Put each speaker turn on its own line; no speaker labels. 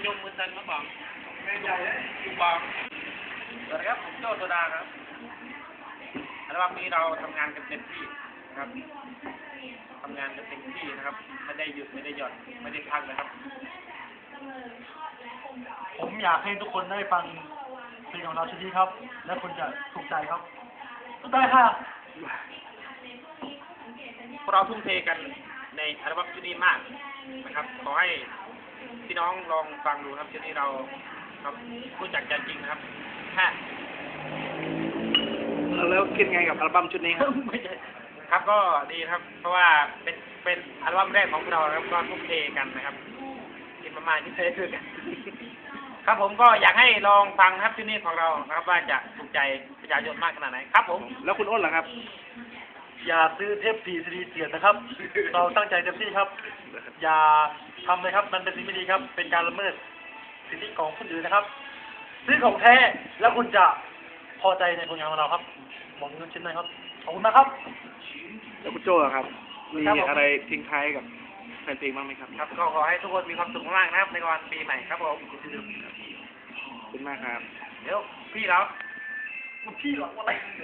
ยมมือตันมาบอกแม่ใหญ่เลยอยู่บอกสวัสดีครับผมโจ้โซดาครับอัลบั้มนี้เราทำงานกันเต็มที่นะครับทำงานกันเต็มที่นะครับไม่ได้หยุดไม่ได้หย่อนไม่ได้พักนะครับ
ผมอยากให้ทุกคนได้ฟังเพลงของเราชุดนี้ครับ และคุณจะถูกใจครับถูกใจค่ะ
พวกเราทุ่มเทกันในอัลบั้มชุดนี้มากนะครับขอให้พี่น้องลองฟังดูครับชุดนี้เราครับรู้จักใจจริงนะครับฮะ
แล้วคิดไงกับอัลบั้มชุดนี้ครับ
ครับก็ดีครับ เพราะว่าเป็นอัลบั้มแรกของพวกเราครับก็ทุ่มเทกันนะครับกินประมาณที่เคยคือกัน ครับผมก็อยากให้ลองฟังครับชุดนี้ของเรานะครับว่าจะถูกใจประชาชนมากขนาดไหนครับผม
แล้วคุณอ้นล่ะครับ
อย่าซื้อเทป4 CD เสียดนะครับ เราตั้งใจเต็มที่ครับ อย่าทำเลยครับ มันเป็นสิ่งไม่ดีครับ เป็นการละเมิดสิทธิของคนอื่นนะครับ ซื้อของแท้แล้วคุณจะพอใจในผลงานของเราครับบอกเงินชิ้นหน่อยครับ ขอบคุณนะครับ
แล้วคุณโจ้ล่ะครับ มีอะไรทิ้งท้ายกับแฟนเพลงบ้างไหมครับ
ครับก็ขอให้ทุกคนมีความสุขมากนะครับในวันปีใหม่ครับผม
ขอบคุณมากครับ
เดี๋ยวพี่เรา
พี่หรออะไร